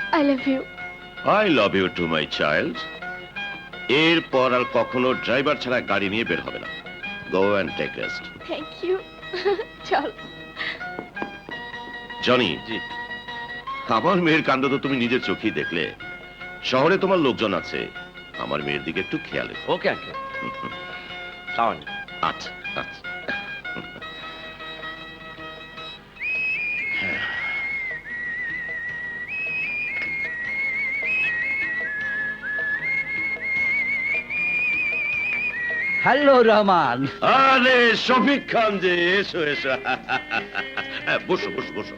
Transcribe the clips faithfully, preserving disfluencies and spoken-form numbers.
I love you. I love you too my child. এরপর আর কখনো ড্রাইভার ছাড়া গাড়ি নিয়ে বের হবে না। Go and take rest. Thank you. চল। জনি, জি, আমার মেয়ের কাণ্ড তো তুমি নিজের চোখেই দেখলে। শহরে তোমার লোকজন আছে, আমার মেয়ের দিকে একটু খেয়াল রেখো। Okay uncle. আচ্ছা আচ্ছা। হ্যালো রহমান। আরে শফিক খান যে, এসো এসো। হ্যাঁ, বসো বসো বসো।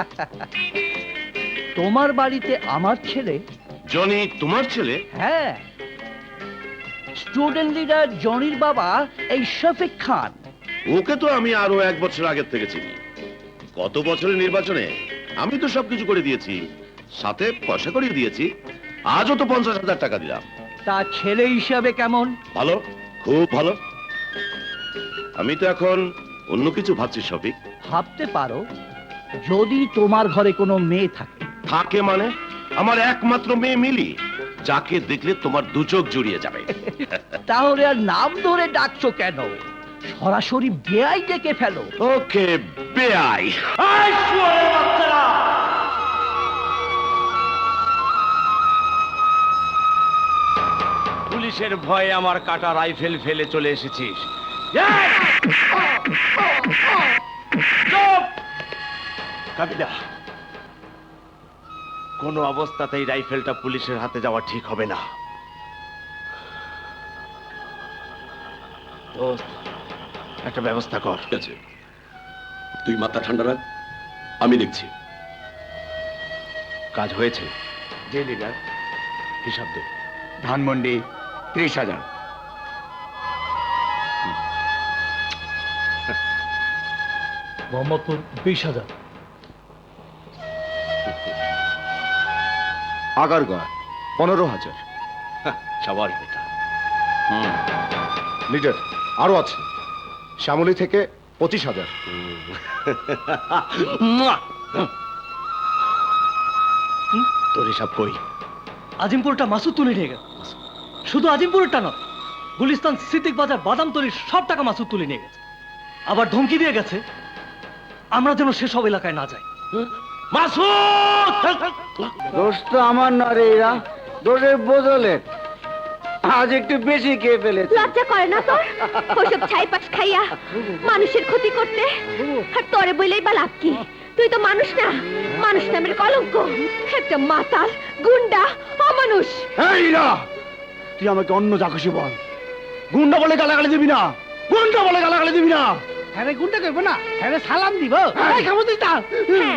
তোমার বাড়িতে আমার ছেলে? জনি তোমার ছেলে? হ্যাঁ, স্টুডেন্ট লিডার জনির বাবা এই শফিক খান। ওকে তো আমি আরো এক বছর আগের থেকে চিনি। গত বছরের নির্বাচনে আমি তো সবকিছু করে দিয়েছি, সাথে পয়সা করিয়ে দিয়েছি। আজও তো পঞ্চাশ হাজার টাকা দিলাম। তা ছেলে হিসাবে কেমন? ভালো, খুব ভালো। আমি তো এখন অন্য কিছু ভাবছি শফিক। ভাবতে পারো যদি তোমার ঘরে কোনো মেয়ে থাকে। থাকে মানে? আমার একমাত্র মেয়ে মিলি, যাকে দেখলে তোমার দু চোখ জুড়িয়ে যাবে। তাহলে আর নাম ধরে ডাকছো কেন? সরাসরি বেয়াই ডেকে ফেলো। ওকে, বেআই। পুলিশের ভয়ে আমার কাটা রাইফেল ফেলে চলে এসেছিস। কাবিলা, কোনো অবস্থাতেই রাইফেলটা পুলিশের হাতে যাওয়া ঠিক হবে না। দোস্ত, একটা ব্যবস্থা কর। ঠিক আছে, তুই মাথা ঠান্ডা রাখ, আমি দেখছি। কাজ হয়েছে। যে লিডার, হিসাব দে। ধানমন্ডি ত্রিশ হাজার। মোহাম্মদপুর বিশ হাজার। আগারগাঁ পনেরো হাজার। সবার বেটা। লিডার আরো আছে, শ্যামলী থেকে পঁচিশ হাজার। তোর হিসাব কই? আজিমপুরটা মাসুদ তুলে নিয়ে গেছে। শুধু আজিমপুরটা নয়, গুলিস্তান, সিদ্দিক বাজার, বাদামতলির সব টাকা মাসুদ তুলে নিয়ে গেছে। আবার ধমকি দিয়ে গেছে আমরা যেন সেসব এলাকায় না যাই। মাসুদ! দোষ তো আমার না রে, এরা দোষের বদলে আজ একটু বেশি খেয়ে ফেলেছে। লজ্জা করে না তোর ওসব ছাইপাশ খাইয়া মানুষের ক্ষতি করতে? আর তোরে বলেই বা লাভ কি? তুই তো মানুষ না, মানুষ নামের কলঙ্ক। একটা মাতাল, গুন্ডা, অমানুষ। এই না, তুই আমাকে অন্য যা খুশি বল, গুন্ডা বলে গালাগালি দিবি না, গুন্ডা বলে গালাগালি দিবি না। হ্যাঁ গুন্ডা করবো না, হ্যাঁ সালাম দিব। হ্যাঁ